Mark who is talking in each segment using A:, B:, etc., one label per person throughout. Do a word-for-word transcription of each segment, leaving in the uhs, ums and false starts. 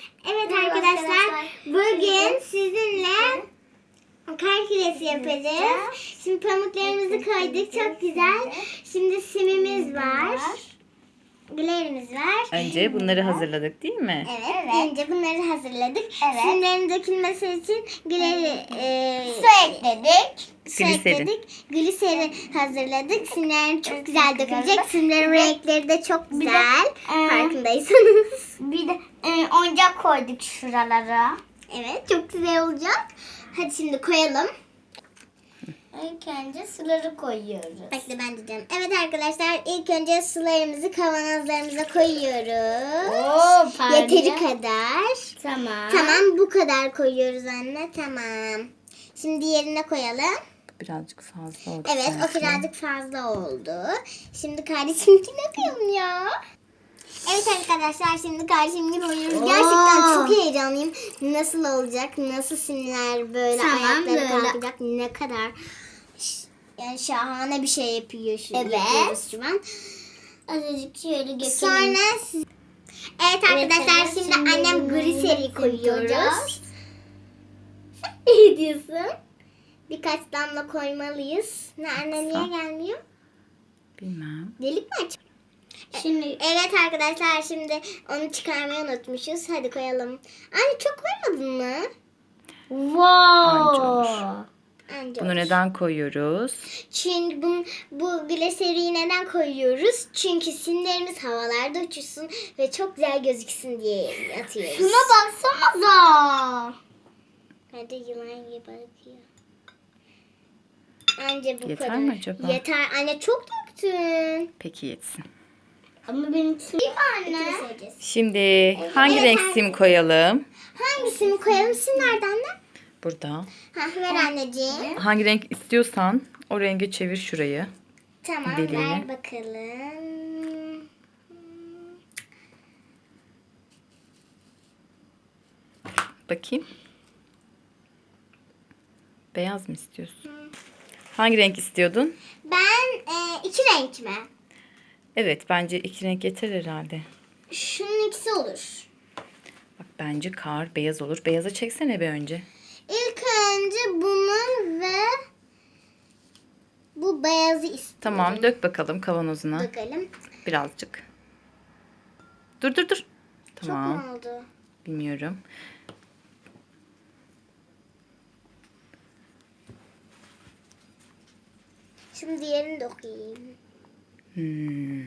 A: Evet arkadaşlar, bugün sizinle kar küresi yapacağız. Şimdi pamuklarımızı koyduk, çok güzel. Şimdi simimiz var, gülerimiz var.
B: Önce bunları hazırladık değil mi?
A: Evet, evet. Önce bunları hazırladık. Evet. Simlerin dökülmesi için güleri e,
C: su ekledik.
A: Su
B: Gliserin.
A: ekledik. Gliseri hazırladık. Simlerim çok güzel dökülecek. Simlerin renkleri de çok güzel.
C: e,
A: Farkındaysanız.
C: Bir de e, oyuncak koyduk şuralara.
A: Evet, çok güzel olacak. Hadi şimdi koyalım.
C: İlk önce suları koyuyoruz.
A: Bekle ben diyeceğim. Evet arkadaşlar, ilk önce sularımızı kavanozlarımıza koyuyoruz.
C: Oo, pardon.
A: Yeteri kadar.
C: Tamam.
A: Tamam, bu kadar koyuyoruz anne. Tamam. Şimdi diğerine koyalım.
B: Birazcık fazla oldu.
A: Evet, o
B: sanki.
A: birazcık fazla oldu. Şimdi kardeşimkine koyalım ya. Evet arkadaşlar, şimdi kardeşimkine koyuyoruz.
C: Oo.
A: Gerçekten çok heyecanlıyım. Nasıl olacak? Nasıl simler böyle
C: Tamam,
A: ayakları
C: böyle.
A: kalkacak? Ne kadar ş- yani şahane bir şey yapıyor şu
C: Evet.
A: yapıyoruz şu an.
C: Azıcık şöyle götürelim.
A: Sonra siz... Evet arkadaşlar,
C: Evet,
A: şimdi,
C: şimdi
A: annem
C: bunu
A: gliseri koyuyoruz.
C: koyacağız.
A: Ne diyorsun? Birkaç damla koymalıyız. Ne anne niye
B: Kısa.
A: gelmiyor?
B: Bilmem.
A: Delik mi aç?
C: Şimdi
A: Evet arkadaşlar, şimdi onu çıkarmayı unutmuşuz. Hadi koyalım. Anne çok koymadın mı?
B: Anca olur.
C: wow.
A: Anca
B: Bunu
A: olur.
B: neden koyuyoruz?
A: Çünkü bu, bu gliseriyi neden koyuyoruz? Çünkü simlerimiz havalarda uçuşsun ve çok güzel gözüksün diye atıyoruz.
C: Şuna baksanıza.
A: Hadi yılan gibi bakıyor. Anca bu
B: Yeter
A: kadar.
B: mi acaba?
A: Yeter. Anne çok döktün.
B: Peki yetsin.
C: Ama benimkisi değil mi anne?
A: İkimiz yiyeceğiz.
B: Şimdi hangi
A: Evet,
B: renk
A: anne.
B: sim koyalım?
A: Hangisini koyalım? Sim nerede anne?
B: Burada.
A: Ha, ver anneciğim.
B: Hangi renk istiyorsan o renge çevir şurayı.
A: Tamam,
B: Deliğini.
A: ver bakalım.
B: Bakayım. Beyaz mı istiyorsun? Hangi renk istiyordun?
A: Ben e, iki renk mi?
B: Evet, bence iki renk yeter herhalde.
A: Şunun ikisi olur.
B: Bak bence kar beyaz olur. Beyaza çeksene bir önce.
A: İlk önce bunu ve bu beyazı istiyorum.
B: Tamam, dök bakalım kavanozuna.
A: Bakalım.
B: Birazcık. Dur dur dur.
A: Çok
B: Tamam.
A: mu oldu?
B: Bilmiyorum.
A: Şimdi diğerini de okuyayım.
B: Hmm.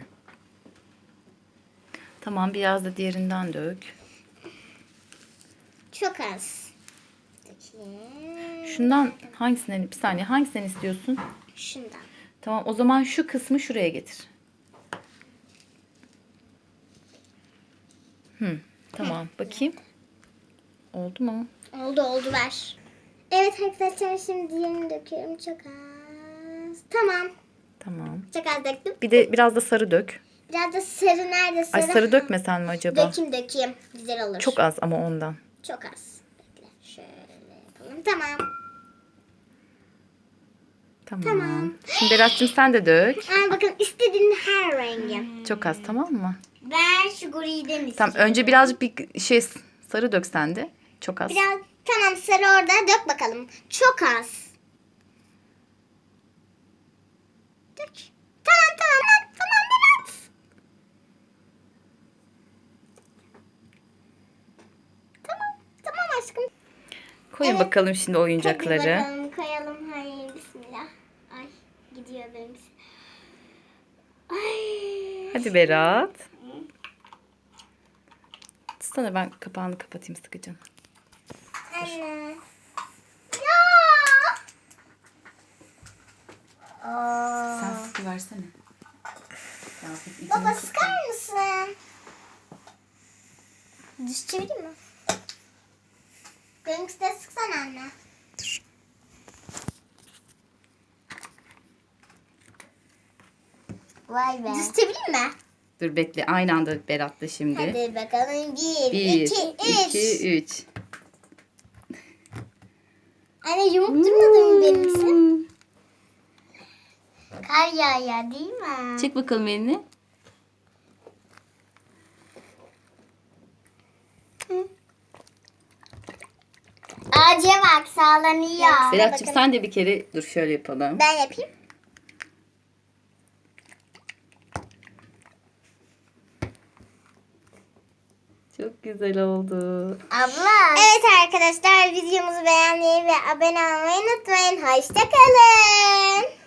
B: Tamam, biraz da diğerinden dök.
A: Çok az. Bakayım.
B: Şundan hangisinden, bir saniye, hangisinden istiyorsun?
A: Şundan.
B: Tamam, o zaman şu kısmı şuraya getir. Hmm. Tamam, bakayım. Oldu mu?
A: Oldu oldu, ver. Evet arkadaşlar, şimdi diğerini döküyorum. Çok az. Tamam.
B: Tamam.
A: Çok az döktüm.
B: Bir de biraz da sarı dök.
A: Biraz da sarı nerede sarı?
B: Ay sarı dökmesen mi acaba?
A: Dökeyim dökeyim. Güzel olur.
B: Çok az ama ondan.
A: Çok az. Bekle. Şöyle yapalım. Tamam.
B: Tamam.
A: Tamam.
B: Şimdi Berat'cığım sen de dök.
A: Al bakın, istediğin her rengi.
B: Çok az, tamam mı?
C: Ben şu griden istiyorum.
B: Tamam, önce birazcık bir şey sarı dök sen de. Çok az.
A: Biraz tamam, sarı orada, dök bakalım. Çok az. Dök. Tamam tamam tamam Berat. Tamam tamam aşkım.
B: Koyun
A: Evet.
B: bakalım şimdi oyuncakları.
A: Hadi bakalım koyalım. Hayır, bismillah. Ay, gidiyor benim. Ay.
B: Hadi Berat. Tutsana, ben kapağını kapatayım sıkıca.
A: Anne.
C: Aa.
B: Sen sıkı versene.
A: Baba, sıkar mısın? Düz çevireyim mi? Benimkisi de sıksana anne.
B: Dur.
C: Vay be.
A: Düz çevireyim mi?
B: Dur bekle, aynı anda Berat'la şimdi.
A: Hadi bakalım. Bir,
B: Bir,
A: iki, üç.
B: iki, üç.
A: Anne, yumuk durmadı mı benimkisi?
C: Kar yağıyor değil mi?
B: Çek bakalım elini.
C: Acıya bak sallanıyor.
B: Berat'cığım
A: bakalım.
B: sen de bir kere dur şöyle yapalım.
A: Ben yapayım.
B: Çok güzel oldu.
C: Abla.
A: Evet arkadaşlar videomuzu beğenmeyi ve abone olmayı unutmayın. Hoşçakalın.